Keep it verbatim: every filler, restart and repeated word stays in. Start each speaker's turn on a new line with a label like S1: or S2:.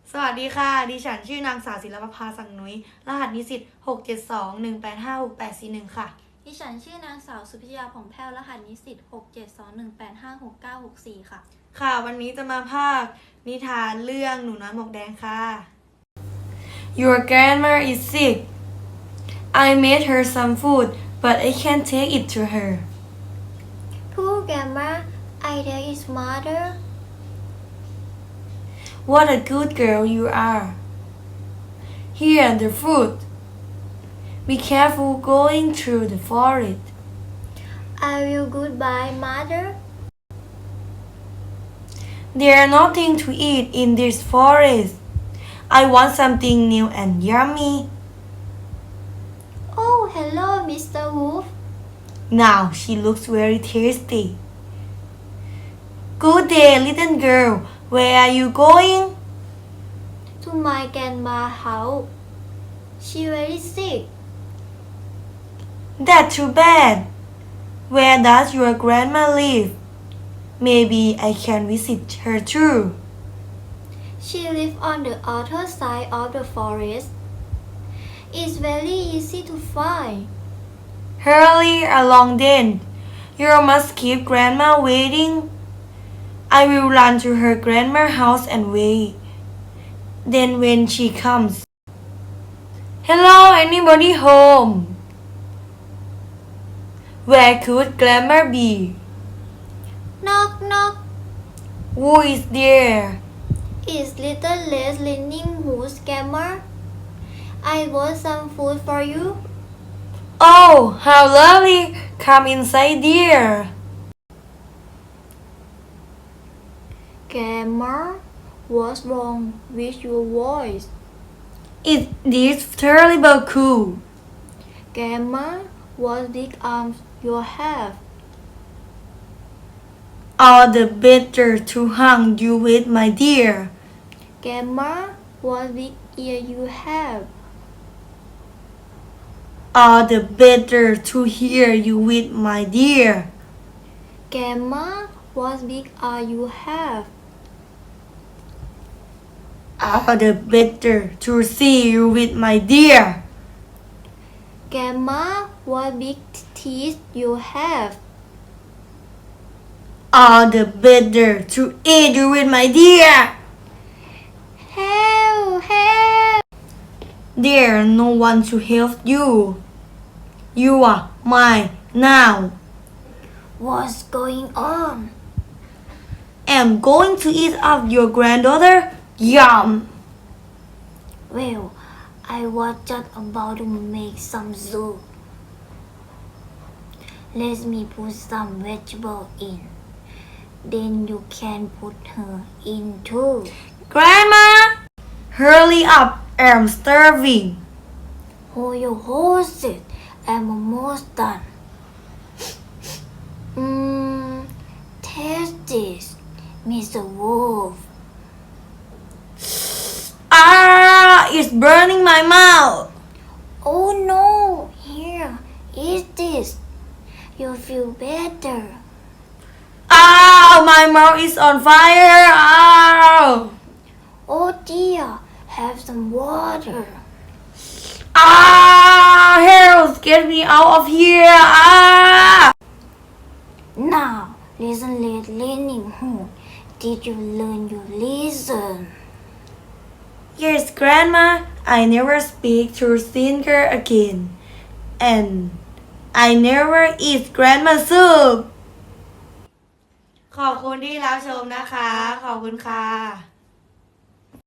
S1: สวัสดีค่ะดิฉันชื่อนางสาวศิลปภาสังนุ้ยรหัสนิสิตหกเจ็ดสองหนึ่งแปดห้าหกแปดสี่หนึ่งค่ะ
S2: ดิฉันชื่อนางสาวสุพิยาผ่องแผ้วรหัสนิสิตหกเจ็ดสองหนึ่งแปดห้าหกเก้าหกสี่ค่ะ
S1: ค่ะวันนี้จะมาพากย์นิทานเรื่องหนูน้อยหมวกแดงค่ะ Your grandma is sick. I made her some food, but I can't take it to her.
S3: Poor grandma, I tell his mother.
S1: What a good girl you are. Here the food. Be careful going through the forest.
S3: I will goodbye, mother.
S1: There's nothing to eat in this forest. I want something new and yummy.
S3: Oh, hello, Mister Wolf.
S1: Now she looks very tasty. Good day, little girl. Where are you going?
S3: To my grandma's house. She very sick.
S1: That's too bad. Where does your grandma live? Maybe I can visit her too.
S3: She lives on the other side of the forest. It's very easy to find.
S1: Hurry along then. You must keep grandma waiting. I will run to her grandma's house and wait. Then when she comes. Hello, anybody home? Where could grandma be?
S3: Knock, knock.
S1: Who is there?
S3: It's little Les Leaning Who's grandma. I bought some food for you.
S1: Oh, how lovely! Come inside, dear.
S3: Grandma, what's wrong with your voice?
S1: It is terrible cool.
S3: Grandma, what big arms you have?
S1: All the better to hang you with, my dear.
S3: Grandma, what big ear you have?
S1: All the better to hear you with, my dear.
S3: Grandma, what big eye you have?
S1: All the better to see you with, my dear.
S3: Grandma, what big teeth you have?
S1: All the better to eat you with, my dear.
S3: Help! Help!
S1: There's no one to help you. You are mine now.
S3: What's going on?
S1: I'm going to eat up your granddaughter. Yum!
S3: Well, I was just about to make some soup. Let me put some vegetable in. Then you can put her in too.
S1: Grandma! Hurry up, I'm starving.
S3: Hold your horses. I'm almost done. Mmm, taste this, Mister Wolf.
S1: Ah, it's burning my mouth.
S3: Oh no, here, eat this. You'll feel better.
S1: Ah, my mouth is on fire. Ah,
S3: Oh dear, have some water.
S1: ah, help, get me out of here. Ah.
S3: Now, listen, let leaning horn. Did you learn your lesson?
S1: Yes, Grandma, I never speak to singer again. And I never eat grandma soup. ขอบคุณที่รับชมนะคะ ขอบคุณค่ะ